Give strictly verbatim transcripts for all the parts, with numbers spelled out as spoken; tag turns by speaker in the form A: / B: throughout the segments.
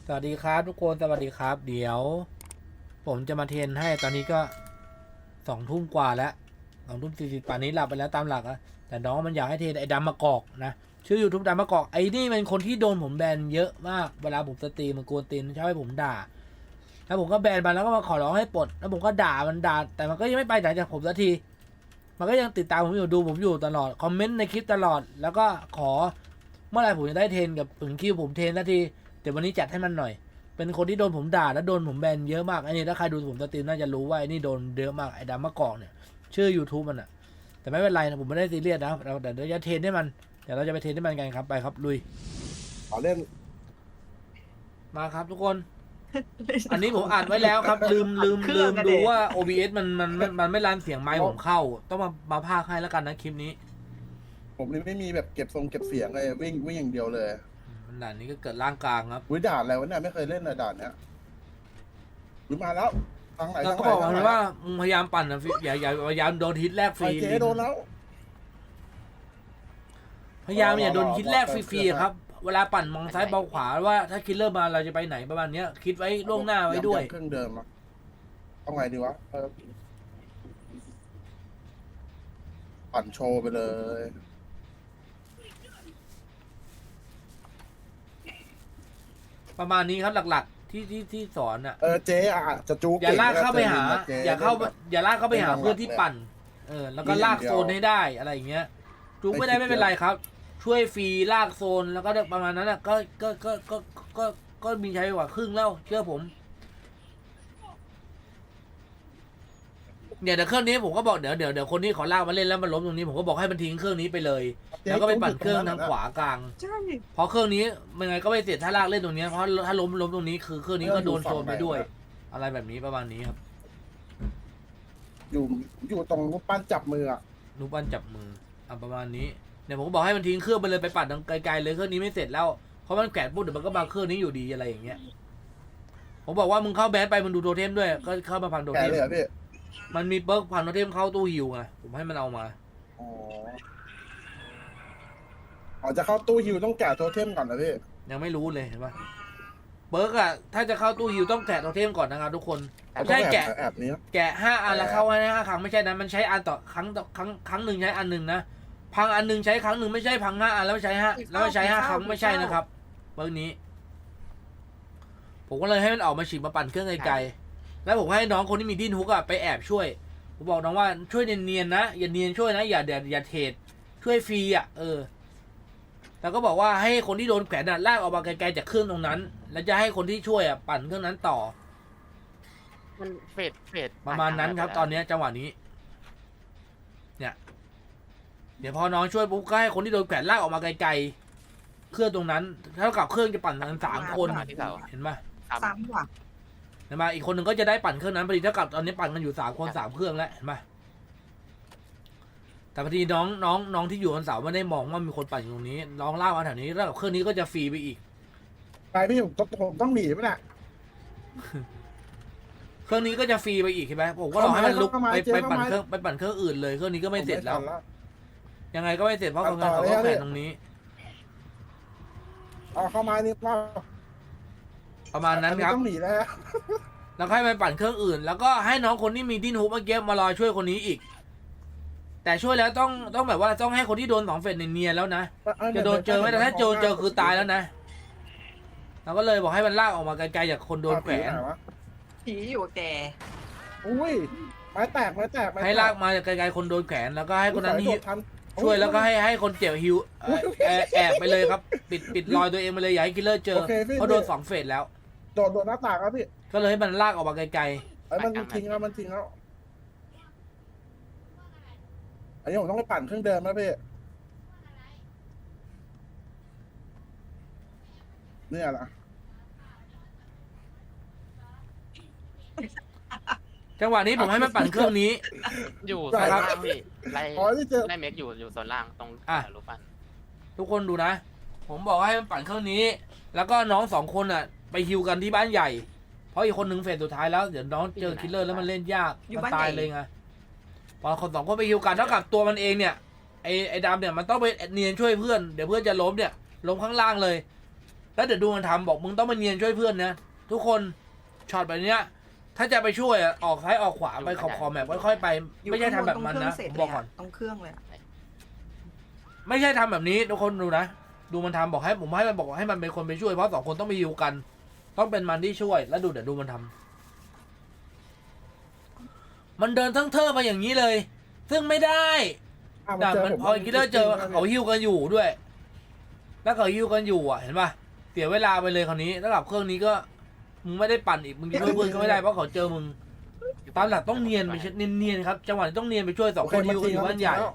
A: สวัสดีครับทุกคนสวัสดีครับเดี๋ยวผมจะมาเทรนให้ตอนนี้ก็สองทุ่มกว่าแล้วสองทุ่มสี่สิบป่านนี้หลับไปแล้วตามหลักอะแต่น้องมันอยากให้เทรนไอ้ดำมะกอกนะชื่อยูทูบดำมะกอกไอ้นี่เป็นคนที่โดนผมแบนเยอะมากเวลาผมสตรีมมันกวนตีนชอบให้ผมด่าแล้วผมก็แบนมันแล้วก็มาขอร้องให้ปลดแล้วผมก็ด่ามันด่าแต่มันก็ยังไม่ไปจากผมสักทีมันก็ยังติดตามผมอยู่ดูผมอยู่ตลอดคอมเมนต์ในคลิปตลอดแล้วก็ขอเมื่อไหร่ผมจะได้เทรนกับถึงคิวผมเทรนสักทีเดี๋ยววันนี้จัดให้มันหน่อยเป็นคนที่โดนผมด่าแล้วโดนผมแบนเยอะมากไอ้นี่ถ้าใครดูผมสตรีมน่าจะรู้ว่าไอ้นี่โดนเยอะมากไอ้ดำมะกอกเนี่ยชื่อ YouTube มันอะแต่ไม่เป็นไรนะผมไม่ได้ซีเรียสนะเราแต่เดี๋ยวจะเทรนให้มันเดี๋ยวเราจะไปเทรนให้มันกันครับไปครับลุย
B: ขอเล่น
A: มาครับทุกคน อันนี้ผมอ่านไว้แล้วครับ ลืมลืมลืมดูว่า โอ บี เอส มันมันมันมันไม่รันเสียงไมค์ผมเข้า ต้องมามาพากย์ให้แล้วกันนะคลิปนี้
B: ผมเลยไม่มีแบบเก็บทรงเก็บเสียงเลยวิ่งวิ่งอย่างเดียวเลย
A: มันด่านนี้ก็เกิดร่างกลางครับ
B: วิด่านอะไรวะเนี่ยไม่เคยเล่นเลยด่านเนี้ยวิมาแล้วทางไหน
A: แล้ว
B: ทาง
A: ก็
B: ไหน
A: บอก
B: ทางไหน
A: มันว่ามึงพยายามปั่นนะฟิอย่าอย่าพยายามโดนฮิตแรกฟ
B: ไอ
A: รี
B: เจ๊โดนแล้ว
A: พยายามอย่าโดน
B: รอรอ
A: ฮิตแรก
B: รอ
A: ฟรีๆครับ เวลาปั่นมองซ้ายมองขวาว่าถ้าคิลเลอร์มาเราจะไปไหนประมาณเนี้ยคิดไว้ล่วงหน้าไว้ด้วย
B: เครื่องเดิมอะเอาไงดีวะเออปั่นโชว์ไปเลย
A: ประมาณนี้ครับหลักๆ ที่ที่ที่สอนอ่ะ
B: เออเจ๊อะจะจู
A: อย่าลากเข้าไปหา
B: เจ๊
A: อย่าเข้า
B: แบบ
A: อย่าลากเข้าไปหา
B: เป็น
A: เพื่อนที่
B: หลักๆ
A: ปั่น เออ แล้วก็ลากโซนให้ได้อะไรอย่างเงี้ยจุกไม่ได้
B: ไม่
A: ไม่
B: คิด
A: เป็นไรครับ ช่วยฟรีลากโซนแล้วก็ประมาณนั้นอ่ะก็ก็ก็ก็ก็ก็มีใช้กว่าครึ่งแล้วเชื่อผมเนี่ยเดี๋ยวเครื่องนี้ผมก็บอกเดี๋ยวเดี๋ยวเดี๋ยวคนที่ขอลากมาเล่นแล้วมันล้มตรงนี้ผมก็บอกให้มันทิ้งเครื่องนี้ไปเลย แล้วก็ไปปั่นเครื่องทางขวากลาง
C: ใช่
A: เพราะเครื่องนี้ยังไงก็ไม่เสร็จถ้าลากเล่นตรงนี้เพราะถ้าล้มล้มตรงนี้คือเครื่องนี้ก็โดนโซนไปด้วย อะไรแบบนี้ประมาณนี้ครับ
B: อยู่อยู่ตรงรูปปั้นจับมืออะ
A: รูปปั้นจับมืออ่ะประมาณนี้เนี่ยผมก็บอกให้มันทิ้งเครื่องไปเลยไปปั่นทางไกลๆเลยเครื่องนี้ไม่เสร็จแล้วเพราะมันแกะปุ๊บเดี๋ยวมันก็มาเครื่องนี้อยู่ดีอะไรอย่างเงี้ยผมบอกว่ามึงเข้าแบนไปมึงดูโทเทมด้วยก็เข้ามาพังโท
B: แก
A: เทม
B: เลยเหรอพี่
A: มันมีเปิร์กพังโทเทมเข้าตู้ฮิวไงผมให้มันเอามา
B: อ๋ออ๋อจะเข้าตู้ฮิวต้องแกะโทเทมก่อนนะพี่
A: ยังไม่รู้เลยเห็นปะเปิร์กอะถ้าจะเข้าตู้ฮิวต้องแกะโทเทมก่อนนะครับทุกคนไม่ใช่แกะ
B: แอบนี้
A: แกะห้าอันแล้วเข้าให้ห้าครั้งไม่ใช่นะมันใช้อันต่อครั้งต่อครั้งครั้งหนึ่งใช้อันหนึ่งนะพังอันหนึ่งใช้ครั้งหนึ่งไม่ใช่พังห้าอันแล้วใช้ห้าแล้วใช้ห้าครั้งไม่ใช่นะครับเปิร์กนี้ ผมก็เลยให้มันออกมาฉีดมาปั่นเครื่องไกลๆแล้วผมให้น้องคนที่มีดิ้นฮุกอะไปแอบช่วยผมบอกน้องว่าช่วยเนียนๆนะอย่าเนียนช่วยนะอย่าอย่าอย่าเทรดช่วยฟรีอะเออแล้วก็บอกว่าให้คนที่โดนแขวนอะลากออกมาไกลๆจากเครื่องตรงนั้น แล้วจะให้คนที่ช่วยอะปั่นเครื่องนั้นต่อ
C: มันเฟดเฟด
A: ประมาณนั้นครับ ตอนนี้จังหวะนี้ เนี่ย เดี๋ยวพอน้องช่วยปุ๊บก็ให้คนที่โดนแขวนลากออกมาไกลๆเครื่องตรงนั้นเท่ากับเครื่องจะปั่นกันสามคนเห็นไหม
C: สามว่ะ
A: เห็นไหมอีกคนหนึ่งก็จะได้ปั่นเครื่องนั้นพอดีเท่ากับตอนนี้ปั่นกันอยู่สามคนสามเครื่องแล้วเห็นไหมแต่พอดีน้องน้องน้องที่อยู่บนเสาไม่ได้มองว่ามีคนปั่นอยู่ตรงนี้น้องลากมาแถวนี้แล้วกับเครื่องนี้ก็จะฟรีไปอีก
B: ไปพี่ผมต้องผมต้องหนีไหมน่ะ
A: เครื่องนี้ก็จะฟรีไปอีกใช่ไหมผมก็รอให้มันลุกไปไปปั่นเครื่องไปปั่นเครื่องอื่นเลยเครื่องนี้ก็ไม่เสร็จแล้ว ยังไงก็ไม่เสร็จเพราะคนงานเขาก็แขวนตรงนี้
B: เอาเข้ามานี่ว่า
A: ประมาณนั้นครับ
B: ต้องหนีแล้ว
A: แล้วให้มันปั่นเครื่องอื่น แล้วก็ให้น้องคนที่มีดิ้นฮุบเมื่อกี้มารอช่วยคนนี้อีก แต่ช่วยแล้วต้องต้องแบบว่าต้องให้คนที่โดนสองเฟสเนียนๆแล้วนะจะโดนเจอไม่ได้ถ้าโจนเจอคือตายแล้วนะเราก็เลยบอกให้มันลากออกมาไกลๆจากคนโดนแขวน
C: ผีอยู่แก
B: อุ้ยไม้แตกไม้แตก
A: ให้ลากมาจากไกลๆคนโดนแขวนแล้วก็ให้คนนั้นฮิวช่วยแล้วก็ให้ให้คนเจ็บฮิวเอ่อแอบแอบไปเลยครับ ปิดปิดรอยตัวเองไปเลยอย่าให้คิลเลอร์เจอเพราะโดนสองเฟสแล้ว
B: โดดโดดหน้าต่างครับพี่
A: ก็เลยให้มันลากออกมาไกล
B: ไอ้มันทิ้งแล้วมันทิ้งแล้วอันนี้ผมต้องไปปั่นเครื่องเดิมนะพี่เนี่ยนะ
A: ๆจังหวะนี้ผมให้มันปั่นเครื่องนี้
D: อยู่โซนล่างพี่ไล่
B: อ๋อที่เจอ
D: ไล่เมกอยู่อยู่โซนล่างตรง
A: อ่ะ
D: รูปปั้น
A: ทุกคนดูนะ ผมบอกให้มันปั่นเครื่องนี้ แล้วก็น้องสองคนอ่ะ ไปฮิวกันที่บ้านใหญ่ เพราะอีกคนหนึ่งเฟสสุดท้ายแล้ว เดี๋ยวน้องเจอคิลเลอร์แล้วมันเล่นยากมันตายเลยไงพอคนสองคนไปฮิวกันเท่ากับตัวมันเองเนี่ยไอไอดำเนี่ยมันต้องไปเนียนช่วยเพื่อนเดี๋ยวเพื่อนจะล้มเนี่ยล้มข้างล่างเลยแล้วเดี๋ยวดูมันทำบอกมึงต้องมาเนียนช่วยเพื่อนนะทุกคนช็อตแบบเนี้ย ถ้าจะไปช่วยอะออกซ้ายออกขวาไปขอบขอบแบบค่อยๆไป
C: อยู่
A: ไม่ใช่ทำแบบมัน
C: ตรง
A: นะ
C: เครื่งเสร็จ
A: ผม
C: เล
A: บอก
C: ย
A: ก่อ
C: อะ
A: น
C: ตรงเครื่องเลยอะ
A: ไม่ใช่ทำแบบนี้ทุกคนดูนะดูมันทำบอกให้ผมให้มันบอกให้มันเป็นคนไปช่วยเพราะสองคนต้องไปฮิวกัน ต้องเป็นมันที่ช่วยแล้วดูเดี๋ยวดูมันทำมันเดินทั้งเทอร์มาอย่างนี้เลย ซึ่งไม่ได้
B: อ่ะ
A: แต่
B: เจ
A: มัน
B: ผม
A: พอคิลเลอร์เจอเขาฮิวกันอยู่ด้วย แล้วเขาฮิวกันอยู่อ่ะเห็นป่ะเสียเวลาไปเลยคราวนี้แล้วกับเครื่องนี้ก็มึงไม่ได้ปั่นอีกมึงจะช่วยเพื่อนก็ไม่ได้เพราะเขาเจอมึงตามหลักต้องเนียนไปเนียนๆครับจังหวะนี้ต้องเนียนไปช่วยสอง
B: โอ
A: ค
B: เคน
A: ฮิวกันอยู่บ้านใหญ่
B: แล้ว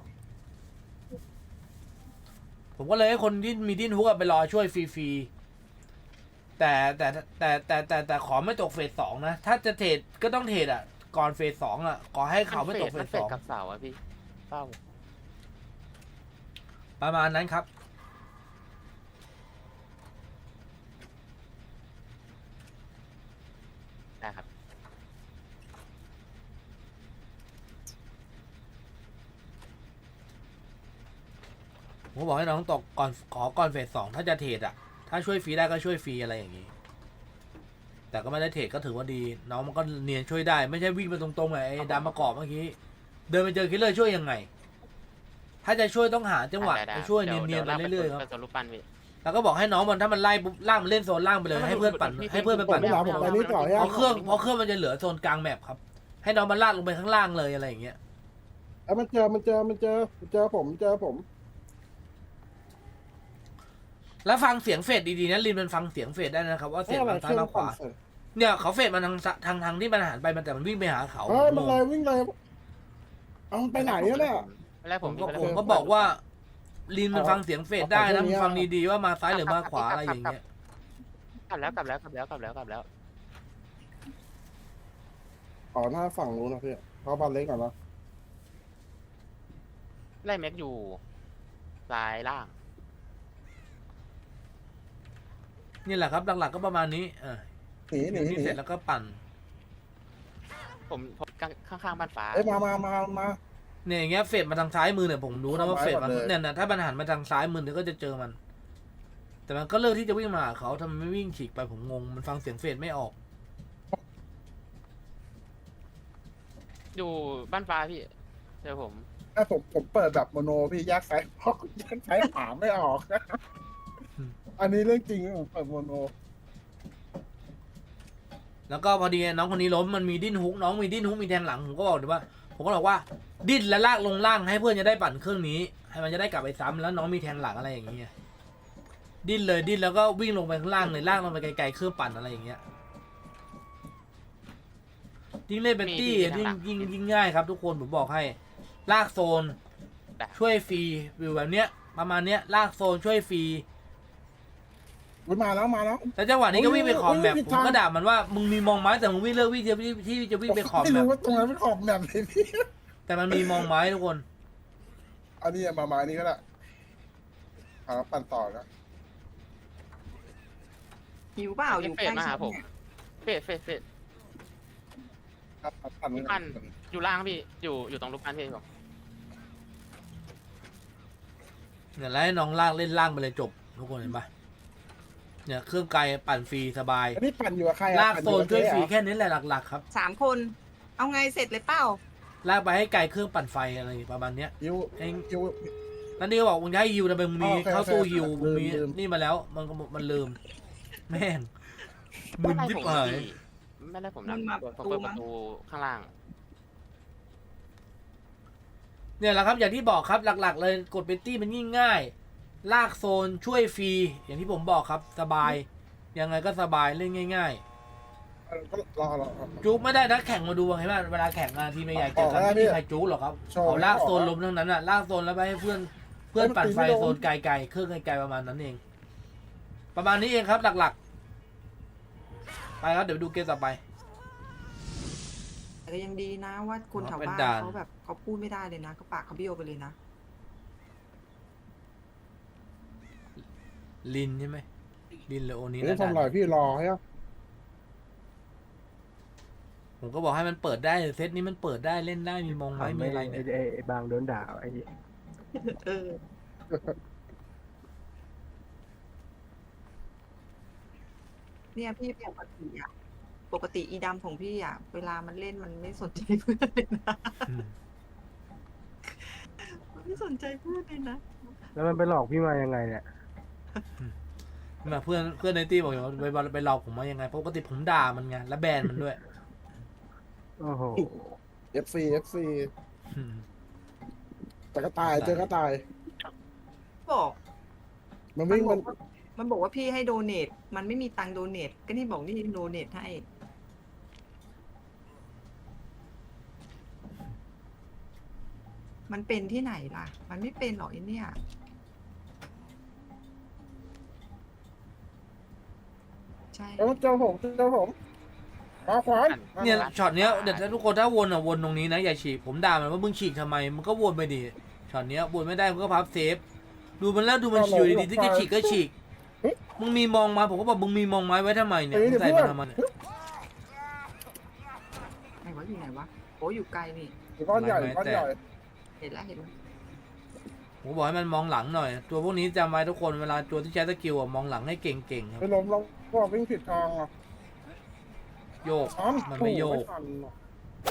A: ผมก็เลยให้คนที่มีดิ้นฮุกอะไปรอช่วยฟรีๆแต่แต่แต่แต่แต่แต่ขอไม่ตกเฟสสองนะถ้าจะเทรดก็ต้องเทรดอ่ะก่อนเฟสสองอ่ะขอให้เขาไม่ตกเฟ
D: มัน
A: ส
D: เฟ
A: ส
D: ด
A: อง
D: กับเสาอะพี่เศร้า
A: ประมาณนั้นครับ
D: ได้ครับ
A: ผมก็บอกให้น้องตกก่อนขอก่อนเฟสสองถ้าจะเทรดอ่ะถ้าช่วยฟรีได้ก็ช่วยฟรีอะไรอย่างนี้ แต่ก็ไม่ได้เทรดก็ถือว่าดี น้องมันก็เนียนช่วยได้ไม่ใช่วิ่งไปตรงๆไงไอ้ดำมากรอบเมื่อกี้เดินไปเจอคิลเลอร์ช่วยยังไง ถ้าจะช่วยต้องหาจังหวะ
D: ได้ได้
A: ไปช่วย
D: ดี๋
A: เนียนๆไป
D: ดี๋ว
A: เรื่อยๆครับ
D: ไปส่วนรูปปั้นพี่
A: แล้วก็บอกให้น้องมันถ้ามันไล่ปุ๊บล่างมันเล่นโซนล่างไปเลยให้เพื่อนปั่นให้เพื่อนไป
B: ผม
A: ปั่น
B: ไม่หนาผมไปนี่ต่อ
A: เพ
B: ใช่ไหม
A: ราะเครื่องเพราะเครื่องมันจะเหลือโซนกลางแมปครับให้น้องมันลาดลงไปข้างล่างเลยอะไรอย่างเงี้ย
B: แล้วมันเจอมันเจอมันเจอมันเจอผมเจอผม
A: แล้วฟังเสียงเฟดดีๆนะลินมันฟังเสียงเฟดได้นะครับว่าเสียงมันซ้ายมาขวาเนี่ยเขาเฟดมันทางทางทางที่มันหันไปมันแต่มันวิ่งไปหาเขา
B: เฮ้ย
A: ง
B: มัน
A: ง
B: เลยวิ่งเลยเอามันไปไหนอะเนี่ย
D: ไม่ได้
A: ผ
D: ผม
A: มก็
D: ไได้
A: ผมก็
D: ผม
A: บอกว่าลินมัน
B: เอา
A: ฟังเสียงเฟดได้
B: เอา
A: นะ
B: ไป
A: มัน
B: เรื่องนี้
A: ฟังดีๆว่ามาซ้ายหรือมาขวาอะไรอย่างเงี้ย
D: กลับแล้วกลับแล้วกลับแล้วกลับแล้วกลับแล้ว
B: อ๋อหน้าฝั่งนู้นนะพี่เขาบอลเล็กก่อนนะ
D: ไล่แม็กอยู่ซ้ายล่าง
A: นี่แหละครับหลักๆก็ประมาณนี้เออ
B: หนีหนีห
A: ที่
B: นี
A: เสร็จแล้วก็ปั่น
D: ผมผมข้างๆบ้านฟ้า
B: เอ้ยมามามามา
A: เนี่ยอย่างเงี้ยเฟดมาทางซ้ายมือเนี่ยผมรู้นะว่า
B: เข้า
A: เฟ
B: ไม้
A: ดมัน
B: ก่อนเลย
A: เนี่ยนะถ้ามันหันมาทางซ้ายมือเนี่ยก็จะเจอมัน แต่มันก็เลือกที่จะวิ่งมาหาเขาทำไมไม่วิ่งฉีกไปผมงงมันฟังเสียงเฟดไม่ออก
D: อยู่บ้านฟ้าพี่เจอผม
B: ถ้าผมผมเปิดแบบโมโนพี่แยกซ้ายเพราะแยกซ้ายหาไม่ออก อันนี้เรื่องจริงผมเปิดโมโน
A: แล้วก็พอดีน้องคนนี้ล้มมันมีดิ้นฮุกน้องมีดิ้นฮุกมีแทงหลังผมก็บอกเลยว่า ผมก็บอกว่าดิ้นแล้วลากลงล่างให้เพื่อนจะได้ปั่นเครื่องนี้ ให้มันจะได้กลับไปซ้ำแล้วน้องมีแทงหลังอะไรอย่างเงี้ยดิ้นเลยดิ้นแล้วก็วิ่งลงไปข้างล่างเลยลากลงไปไกลๆเครื่องปั่นอะไรอย่างเงี้ยยิ่งเล่นเป็นตี้ยิ่งยิ่งยิ่งง่ายครับทุกคนผมบอกให้ลากโซน
D: แต่
A: ช่วยฟรีวิวแบบเนี้ยประมาณเนี้ยลากโซนช่วยฟรี
B: อุ๊ยมาแล้วมาแล้ว
A: แล้วจังหวะนี้ก็วิ่งไปขอบแมป
B: โอ้ย
A: ผมก็ด่ามันว่ามึงมีมองไม้แต่มึงวิ่งเลือกวิ่งที่ที่จะวิ่งไปขอบ
B: ไม่
A: แม
B: รู้
A: ป
B: ว่าตรงนั้นเป็นขอบแบบไหนพี่
A: แต่มันมีมองไม้ทุกคน
B: อันนี้มามานี่ก็ได้หาปั่นต่อนะ
C: หิวเปล่าอยู่
D: เฟ
C: ใก
D: ด
C: ล้
D: มาหา
C: ฉัน
D: ผม
C: เนี่ย
D: เฟดเฟดเฟด
B: ครับปั่น
D: รูปปั้นอยู่ล่างพี่อยู่อยู่ตรงรูปปั้นพี่ผม
A: เนี่ยแล้วให้น้องลากเล่นล่างไปเลยจบทุกคนเห็นปะเนี่ยเครื่องไกลปั่นฟรีสบาย
B: อันนี้ปั่นอยู่กับใครอะ
A: ลากโซนช่วยฟรี
B: ปั่นอ
A: แค่นี้แหละหลักๆครับ
C: สามคน เอาไงเสร็จเลยเปล่า
A: ลากไปให้ไกลเครื่องปั่นไฟอะไรประมาณเนี้ย
B: ยู
A: เอง
B: ยู
A: นั่นนี่ก็บอกมึงจะให้ฮิวแต่มึงมี
B: อ๋อโอเค
A: เข้าตู้
B: โอเค
A: ฮิวมึงมี
B: ลืมลืม
A: นี่มาแล้วมันก็มันลืมแม่งมึ
D: ไม่
A: น
D: ไล่
A: ยิบ
D: ผม
A: หาย
D: พี่ไม่ไล่ผมนะ
C: มันมา
D: ผมเปิดประตูข้างล่าง
A: เนี่ยแหละครับอย่างที่บอกครับหลักๆ เลยกดเบตตี้มันยิ่งง่าย ลากโซนช่วยฟรีอย่างที่ผมบอกครับสบาย ยังไงก็สบายเล่นง่าย
B: ก็รอรอรอ
A: ๆจุกไม่ได้นักแข่งมาดูเห็นไหมเวลาแข่งงานทีมใหญ่ๆเกี่ยวกับ
B: ออกแล้ว
A: ไม่มี
B: พี่
A: ใครจุกหรอกครับ
B: โชว์
A: เขาลากโซน
B: ออกแล้ว
A: ล้มทั้งนั้นอ่ะลากโซนแล้วไปให้เพื่อนเพื่อนปั่นไฟ
B: เฮ้ยมันตีไม่ลง
A: โซนไกลๆเครื่องไกลๆประมาณนั้นเอง ประมาณนี้เองครับหลักๆไปครับเดี๋ยวดูเกมต่อไป
C: แต่ก็ยังดีนะว่าคนแถว
A: เป็น
C: บ้าน
A: ด่าน
C: เขาแบบเขาพูดไม่ได้เลยนะเขาปากเขาเบี้ยวไปเลยนะ
A: ลินใช่ไหมลินหรือโอนี้
B: เฮ้ย
A: นะ
B: ทำไรพี่รอให้อะ
A: ผมก็บอกให้มันเปิดได้เซตนี้มันเปิดได้เล่นได้มีมองไม้มีอะไรเนี่ย
E: ไอ้ไอ้บางโดนด่าไอ้
C: เออเนี่ยพี่ปกติอะปกติอีดำของพี่อะเวลามันเล่นมันไม่สนใจเพื่อนเลยนะ
A: อืม
C: มันไม่สนใจเพื่อนเลยนะ
E: แล้วมันไปหลอกพี่มายังไงเนี่ย
A: มาเพื่อนเพื่อนในตี้บอกอยู่ว่าไปไปหลอกผมมายังไงปกติผมด่ามันไงแล้วแบนมันด้วย
E: โอ้โห
B: เอฟซีเอฟซี
A: อืม
B: แต่ก็ตายเจอก็ตาย
C: บอก
B: มัน
C: มัน
B: วิ่ง
C: บ
B: มั
C: อน กว่ามันบอกว่าพี่ให้โดเนทมันไม่มีตังค์โดเนทก็นี่บอกนี่โดเนทให้ มันเป็นที่ไหนล่ะ มันไม่เป็นหรอกไอ้เนี่ย ใช่
B: เอ้าเจ้าผมเจ้าผมขวาขวาน
A: เนี่ยช็อตเนี้ยเดี๋ยวถ้าทุกคนถ้าวนอ่ะวนตรงนี้นะอย่าฉีกผมด่ามันว่ามึงฉีกทำไมมันก็วนไปดิช็อตเนี้ยวนไม่ได้มันก็พับเซฟดูมันแล้วดูมันอยู่ดีๆที่จะฉีกก็ฉีกมึงมีมองมาผมก็บอกมึงมีมองไม้ไว้ทำไมเนี่ยมึงใส่มาทำไมเนี่ย
C: ไหนวะอยู่ไหนวะโอ้อยู่ไกลนี่
B: ก้อนใหญ่ก้อนใหญ่
C: เห็นแล้วเห็นแล้ว
A: ผมบอกให้มันมองหลังหน่อย ตัวพวกนี้จำไว้ทุกคนเวลาตัวที่ใช้สกิลอะมองหลังให้เก่งๆครับ
B: ไปล้มเราก็วิ่งผิดทางอ่ะ
A: โยก
B: อ้อม
A: มันไม่โยก
B: ทันหรอก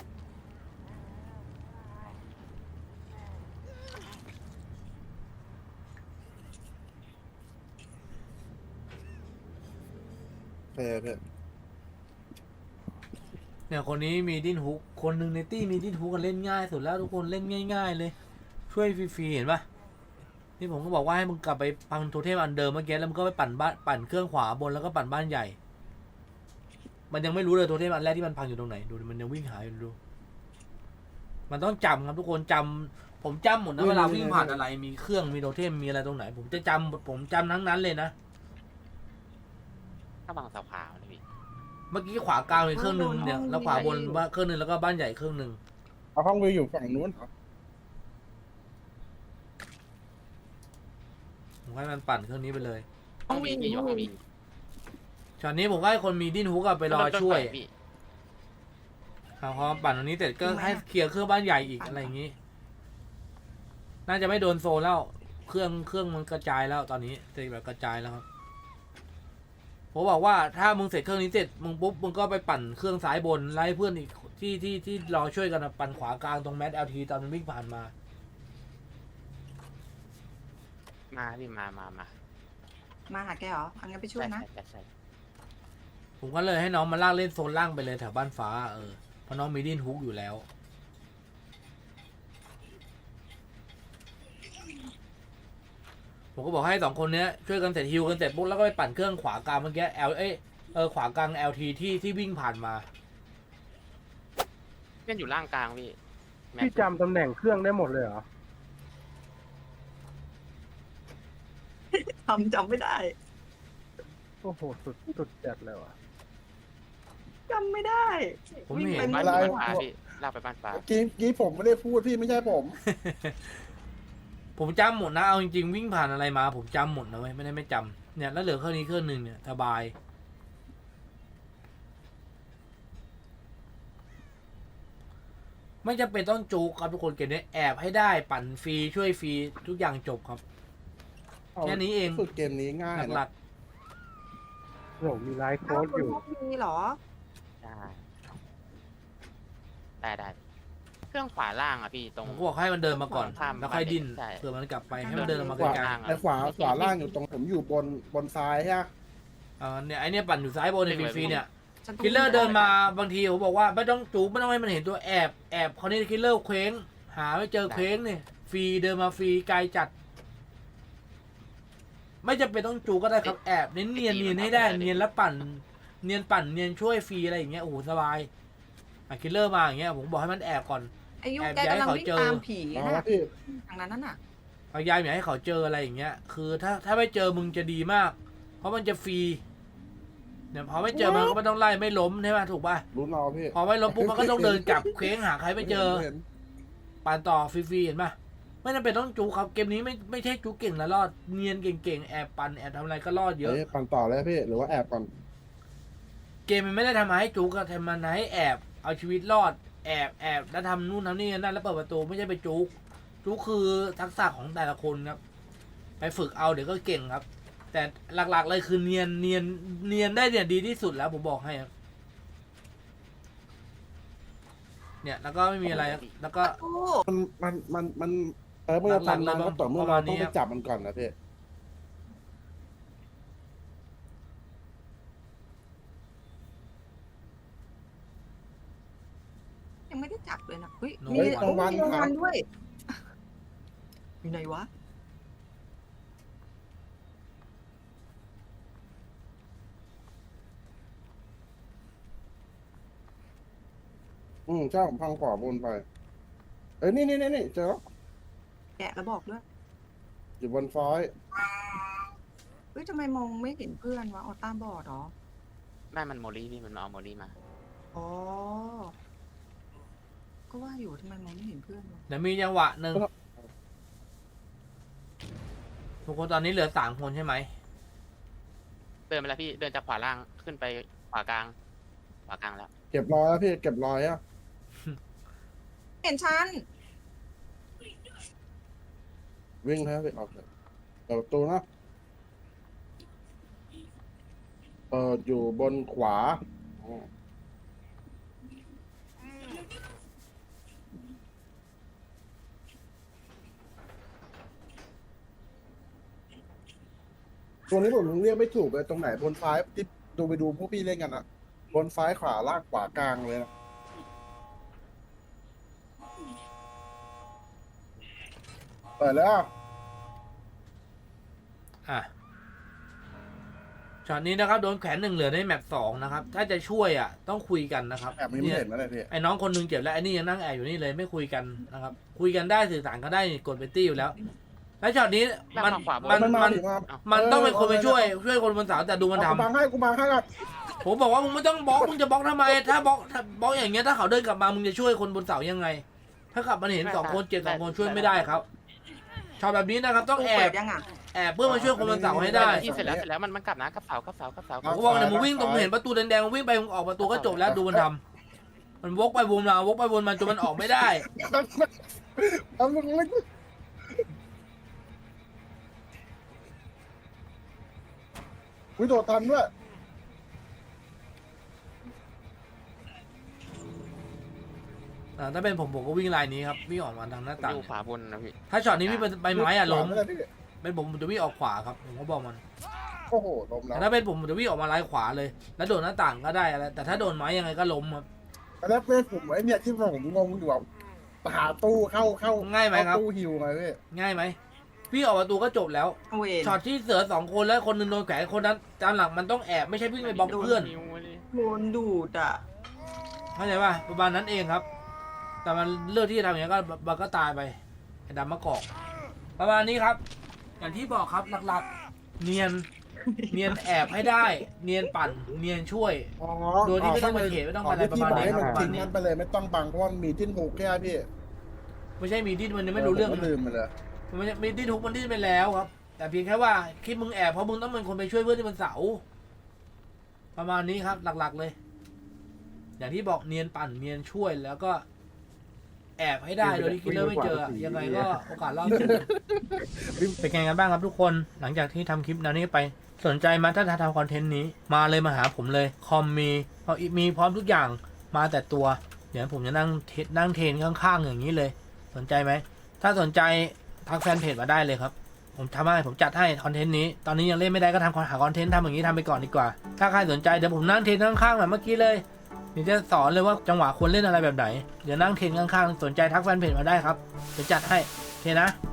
B: เพ่เพ่
A: เนี่ยคนนี้มีดิ้นฮุกคนหนึ่งในตี้มีดิ้นฮุกกันเล่นง่ายสุดแล้วทุกคนเล่นง่าย ๆ เลย ช่วยฟรีๆเห็นปะนี่ผมก็บอกว่าให้มึงกลับไปพังโทเทมอันเดิมเมื่อกี้แล้วมึงก็ไปปั่นบ้านปั่นเครื่องขวาบนแล้วก็ปั่นบ้านใหญ่ มันยังไม่รู้เลยโทเทมอันแรกที่มันพังอยู่ตรงไหนดูดิมันยังวิ่งหาอยู่ดู มันต้องจำครับทุกคนจำผมจำหมดนะเวลาวิ่งผ่านอะไรมีเครื่องมีโทเทมมีอะไรตรงไหน ผมจะจำผมจำทั้งนั้นเลยนะ
D: ถ้าบางสาวขาวนะพี่
A: เมื่อกี้ขวากลางเป็นเครื่องหนึ่งเนี่ยแล้วขวาบนว่าเครื่องหนึ่งแล้วก็บ้านใหญ่เครื่องหนึ่ง
B: เอาห้องวิวอยู่ฝั่งนู้นเหรอ
A: ผมให้มันปั่นเครื่องนี้ไปเลย
D: ห้องวีพี่อยู่ห้องวี
A: ช็อตนี้ผมก็ให้คนมีดิ้นฮุกอะไปรอช่วย
D: พี่
A: เอาพอปั่นตรงนี้เสร็จก็ให้เคลียร์เครื่องบ้านใหญ่อีกอะไรอย่างนี้ น่าจะไม่โดนโซนแล้ว เครื่องเครื่องมันกระจายแล้วตอนนี้เสร็จแบบกระจายแล้วครับผมบอกว่าถ้ามึงเสร็จเครื่องนี้เสร็จมึงปุ๊บมึงก็ไปปั่นเครื่องซ้ายบนไล่เพื่อนอีกที่ที่ที่รอช่วยกันอะปั่นขวากลางตรงแมสเอลทีตอนมันวิ่งผ่านมา
D: มาพี่มามามา
C: มาหาแกเหรออังั้นไปช่วยนะ
D: ใช่ใช่ใช่
A: ผมก็เลยให้น้องมาลากเล่นโซนล่างไปเลยแถวบ้านฟ้าเออเพราะน้องมีดิ้นฮุกอยู่แล้ว ผมก็บอกให้สองคนเนี้ยช่วยกันเสร็จฮิวกันเสร็จปุ๊บแล้วก็ไปปั่นเครื่องขวากลางเมื่อกี้ L เอ้ยเออขวากลาง แอล ที ที่ที่วิ่งผ่านมา
D: เพื่อนอยู่ล่างกลางพี่แม็ก
E: พี่จำตำแหน่งเครื่องได้หมดเลยเหรอ
C: ทำจำไม่ได้
E: โอ้โห สุดสุดจัดเลยว่ะ
C: จำไม่ได้
A: ผมเห็น
C: วิ่ง
D: บ้า
C: ไป
D: น
C: ไม่
D: บ้าน
C: ได้
D: ฟ้าพี่ลากไปบ้านฟ้า
B: เมื่อกี้เมื่อกี้ผมไม่ได้พูดพี่ไม่ใช่ผม
A: ผมจำหมดนะเอาจริงๆวิ่งผ่านอะไรมา ผมจำหมดนะเว้ยไม่ได้ไม่จำเนี่ยแล้วเหลือเครื่องนี้เครื่องหนึ่งเนี่ยสบาย ไม่จำเป็นต้องจูกครับทุกคนเกมนี้แอบให้ได้ปั่นฟรีช่วยฟรีทุกอย่างจบครับ แค่นี้เอง
B: สุดเกมนี้ง่าย
A: ห
B: นะ
A: ลัก
E: โอ้โหมีไลฟ์โค้
C: อ้าว
E: ด
C: คุ
E: อ
C: ณ
E: ยู่
C: พกมีเหรอ
D: ได้ได้ได้เครื่องขวาล่างอ่ะพี่ตร
A: ๆ
D: ง
A: ผมก็บอกให้มันเดินมาก่อน
D: ข้าม
A: แล้วค่อยดิ้น
D: ใช่
A: เผื่อมันกลับไปให้มันเดินออกมา
B: ข
A: ไก
B: วา
A: ล
D: ล่างอะ
B: ไอ้ขวาขวาล่างอยู่ตรงผมอยู่บนบนซ้ายใช่ไหม
A: ๆอ่าเนี่ยไอเนี่ยปั่นอยู่ซ้ายบนในฟรีๆเนี่ย
C: ฉันต้อง
A: คิลเลอร์เดินมาบางทีผมบอกว่าไม่ต้องจูบไม่ต้องให้มันเห็นตัวแอบแอบเขานี่คิลเลอร์เคว้งหาไม่เจอเคว้งเนี่ยฟรีเดินมาฟรีไกลจัด ไม่จำเป็นต้องจูบก็ได้ครับแอบเน้นเนียนเนียนให้ได้เนียนแล้วปั่น เนียนปั่นเนียนช่วยฟรีอะไรอย่างเงี้ยโอ้โหสบายอ่ะคิลเลอร์มาอย่างเงี้ยผมบอกให้มันแอบก่อน
C: อายุ
A: แอบ
C: แกกำลัง
A: ย้ายเขา
C: วิ่ง
A: เจอ
C: ตามผี
B: อ๋อ
C: นะ
B: พี่
C: ทางนั้นน่ะ
A: พยายามอย่าให้เขาเจออะไรอย่างเงี้ย คือถ้าถ้าไม่เจอมึงจะดีมาก เพราะมันจะฟรีเนี่ยพอไม่เจอมันก็ไม่ต้องไล่ไม่ล้มใช่ไหมถูกป่ะ
B: รู้นอพี่
A: พอไม่ล้มปุ๊บมันก็ต้องเดินกลับเคว้งหาใครไม่เจอ
B: ห็น
A: ปั่นต่อฟรีๆเห็นปะไม่จำเป็นต้องจูครับเกมนี้ไม่ไม่ใช่จูเก่งแล้วรอดเนียนเก่งๆแอบปั่นแอบทำอะไรก็รอดเยอะ
B: เอ้ยปั่นต่อเลยพี่หรือว่าแอบก่อน
A: เกมมันไม่ได้ทำมาให้จูกอะทำมาให้แอบเอาชีวิตรอดแอบแอบแล้วทำนู่นทำนี่นั่นแล้วเปิดประตูไม่ใช่ไปจูกจูกคือทักษะของแต่ละคนครับ ไปฝึกเอาเดี๋ยวก็เก่งครับแต่หลักๆเลยคือเนียนเนียนเนียนได้เนี่ยดีที่สุดแล้วผมบอกให้ครับเนี่ยแล้วก็ไม่มีอะไรครับแล้วก็
C: โอ้
B: มันมันมันมันเออเมื่อทำนานก็ต่อเมื่อเราต้องไปจับมันก่อนนะพี่
C: ยังไม่ได้จับเลยนะเฮ้ย
A: โน
C: มี
A: วัน
C: โอ้มีรางวัลด้วยอยู่ไหนวะ
B: อืมใช่ผมพังขวาบนไป เอ้ยนี่นี่นี่นี่เจอแล้ว
C: แกะแล้วบอกด้วย
B: อยู่บนฟอย
C: เฮ้ยทำไมมองไม่เห็นเพื่อนวะออต้าบอดเหรอ
D: แม่มันโมลี่พี่มันมาเอาโมลี่มา
C: อ๋อ ก็ว่าอยู่ทำไมมองไม่เห็นเพื่อนวะ
A: เดี๋ยวมีจังหวะหนึ่งทุกคนตอนนี้เหลือสามคนใช่ไหม
D: เดินไปแล้วพี่เดินจากขวาล่างขึ้นไปขวากลางขวากลางแล้ว
B: เก็บรอยแล้วพี่เก็บรอยอ่ะ
C: เห็นฉัน
B: วิ่งแล้วพี่ออกเลยเปิดประตูนะเปิดอยู่บนขวาอ๋อตัวนี้ผมเรียกไม่ถูกเลยตรงไหนบนซ้ายที่ดูไปดูพวกพี่เล่นกันอะบนซ้ายขวาล่างขวากลางเลยนะเปิดแล้ว
A: อ่ะช็อตนี้นะครับโดนแขวนหนึ่งเหลือในแมปสองนะครับ ถ้าจะช่วยอ่ะต้องคุยกันนะครับ
B: แอบไม่
A: เนี่ย
B: เห็นนะเลยพี่
A: ไอ้น้องคนหนึงเจ็บแล้วไอ้นี่ยังนั่งแอบอยู่นี่เลยไม่คุยกันนะครับ คุยกันได้สื่อสารกันได้กดเบตตี้อยู่แล้ว แล้วช็อตนี้มัน
D: แม่งมาขวาบน
A: มัน
B: มันมา
A: มัน
B: ดิมา
A: มันต้องเป็นคนไปช่วยช่วยคนบนเสาแต่ดูมัน
B: เอา
A: ทำ
B: กูบังให้กูบังให้ก่อน
A: ผมบอกว่ามึงไม่ต้องบล็อกมึงจะบล็อกทำไมถ้าบล็อกถ้าบล็อกอย่างเงี้ยถ้าเขาเดินกลับมามึงจะช่วยคนบนเสายังไง ถ้ากลับมาเห็นสองคนเจ็บสองคนช่วยไม่ได้ครับช็อตแบบนี้นะครับต้องแอ
C: เปิ
A: บ
C: ดยังอ่ะ
A: แอบเพื่อมาช่วยคนบนเสาให้ได้
D: พี่เสร็จแล้วเสร็จแล้วมันมันกลับนะกลับเสากลับเสากลับเสา
A: ผมก็บอกเนี่ยมึงวิ่งตรงเห็นประตูแดงๆมึงวิ่งไปมึงออกประตูก็จบแล้วดูมันทำมันวกไปวนมาวกไปวนมาจนมันออกไม่ได้
B: เอามึงเล็กวิโดดทันด้วย
A: อ่าถ้าเป็นผมผมก็วิ่งลายนี้ครับวิ่งออกมาทางหน้าต่าง
D: อยู่ขวาบนนะพี่
A: ถ้าช็อตนี้พี่งเป็นใบไม้อะล้ม
B: ไม่ได้พี่
A: เป็นผมผมจะวิ่งออกขวาครับผมก็บอกมัน
B: โอ้โหล้มแล้
A: แต่
B: ว
A: ถ้าเป็นผมผมจะวิ่งออกมาลายขวาเลย แล้วโดดหน้าต่างก็ได้อะไรแต่ถ้าโดนไม้ยังไงก็ล้มครับ
B: แล้วเพื่อนผมไอ้เนี่ยที่ผมงงอยู่แบบหาตู้เข้าเข้า
A: ง่ายไหมครับ
B: เข้ตู้ฮิวไงพี่
A: ง่ายไหมพี่ออกประตูก็จบแล้ว
C: เวน
A: ช็อตที่เสือสองคนแล้วคนหนึงโดนแขวนคนนั้นตามหลังมันต้องแอบไม่ใช่วิ่งไปบล็อกเพื่อน
D: นิ้วเลย
C: โดนดูดอ่ะ
A: เข้าใจป่ะประมาณนั้นเองครับ แต่มันเลือกที่จะทำอย่างนี้ก็มันก็ตายไปไอ้ดำมะกอกประมาณนี้ครับ อย่างที่บอกครับหลักๆ เนียนเนียนแอบให้ได้ เนียนปั่นเนียนช่วย
B: อ๋อ
A: โดยที่ไม่ต้องมาเขตไม่ต้องมาอะไรประมาณนี้
B: ที่
A: ครับ
B: บอกให้มันทิ้งกันไปเลยไม่ต้องบังเพราะว่ามันมีทิ้นหูแค่พี่
A: ไม่ใช่มีดิ้นมันยังไม่รู้เรื่อง
B: ผมก็ลืมไปเลย
A: มันไม่ใช่มีดิ้นทุกมันดิ้นไปแล้วครับ แต่เพียงแค่ว่าคลิปมึงแอบเพราะมึงต้องเป็นคนไปช่วยเพื่อนที่มันเสาประมาณนี้ครับ หลักๆเลย อย่างที่บอกเนียนปั่นเนียนช่วยแล้วก็ แอบให้ได้โดยที่คิดเลอร์ไม่เจอยังไงก็โอกาสรอดสูงเป็นไงกันบ้างครับทุกคนหลังจากที่ทำคลิปแนวนี้ไปสนใจมาถ้าทำคอนเทนต์นี้มาเลยมาหาผมเลยคอมมีมีพร้อมทุกอย่างมาแต่ตัวเดี๋ยวผมจะนั่งเทนั่งเทรนข้างๆอย่างนี้เลย สนใจไหมถ้าสนใจทักแฟนเพจมาได้เลยครับผมทำให้ผมจัดให้คอนเทนต์นี้ตอนนี้ยังเล่นไม่ได้ก็ทำหาคอนเทนต์ทำอย่างนี้ทำไปก่อนดีกว่าถ้าใครสนใจเดี๋ยวผมนั่งเทรนข้างๆแบบเมื่อกี้เลยเดี๋ยวจะสอนเลยว่าจังหวะควรเล่นอะไรแบบไหนเดี๋ยวนั่งเทรนข้างๆสนใจทักแฟนเพจมาได้ครับเดี๋ยวจัดให้โอเคนะ